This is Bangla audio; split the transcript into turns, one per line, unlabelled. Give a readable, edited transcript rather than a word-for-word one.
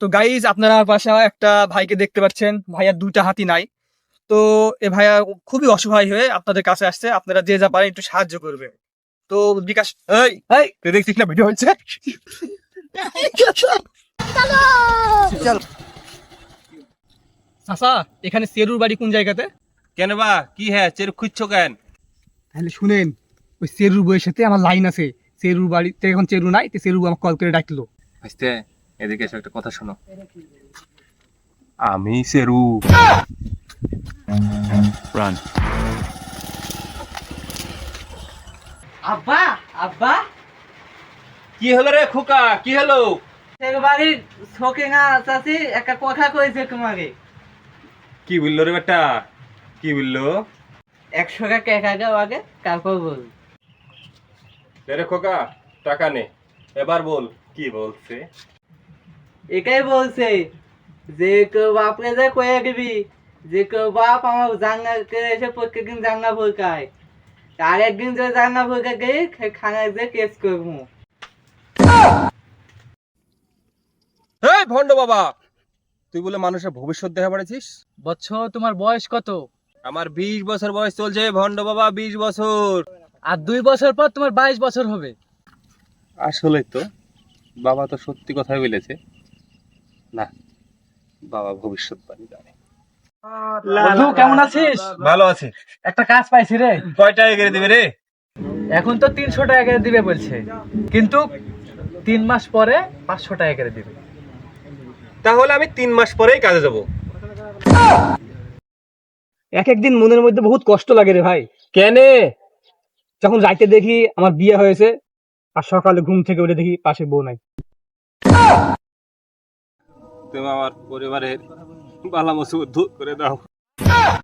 তো গাইজ আপনারা পাশে একটা ভাইকে দেখতে পাচ্ছেন, ভাইয়ার দুইটা হাতি নাই। তো এ ভাইয়া খুবই অসহায় হয়ে আপনাদের কাছে আসছে, আপনারা যে যা পারেন একটু সাহায্য করবে। তো বিকাশ, এই এই তুই দেখছিস না ভিডিও হচ্ছে? চাচা, এখানে চেরুর বাড়ি কোন জায়গাতে?
কেন বা কি হ্যাঁ চের খুঁজছো কেন?
তাহলে শুনেন, ওই চেরুর বইয়ের সাথে আমার লাইন আছে। চেরুর বাড়িতে এখন চেরু নাই, তো চেরু আমাকে কল করে ডাকলো।
বুঝতে এদিকে এসে একটা কথা শোনো। আমি সেরু। রান।
আব্বা আব্বা
কি হলো রে খোকা, কি হলো?
একবারই শোকে না চাচি একটা কথা কইছে তোমাকে।
কি বললো রে বেটা, কি বললো?
100 টাকা একা দাও আগে, তারপর বল।
রে খোকা, টাকা নে, এবার বল কি বলছে।
এটাই বলছে যে কেউ বাপরে যে কয়ে দিবি যে কেউ বাপ আমার জান্নাতে এসে প্রত্যেকদিন জান্না ভুলকায়, আর একদিন যে জান্না ভুলকা গিয়ে খানায় যে কেস করবো।
এই ভন্ড বাবা, তুই বলে মানুষের ভবিষ্যৎ দেখা পারেছিস?
বৎস, তোমার বয়স কত?
আমার 20 বছর বয়স চলছে ভন্ড বাবা, 20 বছর।
আর 2 বছর পর তোমার 22 বছর হবে।
আসলে তো বাবা তো সত্যি কথাই বলেছে। না, বাবা ভবিষ্যৎবাণী জানে।
বন্ধু, কেমন আছিস?
ভালো আছি।
একটা কাজ পাইছি রে।
কয়টা এগিয়ে দিবে রে?
এখন তো 300 টাকা করে দিবে বলছে, কিন্তু 3 মাস পরে 500 টাকা করে দিবে।
তাহলে আমি 3 মাস পরেই কাজে যাব।
এক একদিন মনের মধ্যে বহুত কষ্ট লাগে রে ভাই,
কেনে?
যখন রাইতে দেখি আমার বিয়ে হয়েছে আর সকালে ঘুম থেকে উঠে দেখি পাশে বউ নাই।
তুমি আমার পরিবারের বালা মুসিবত দূর করে দাও।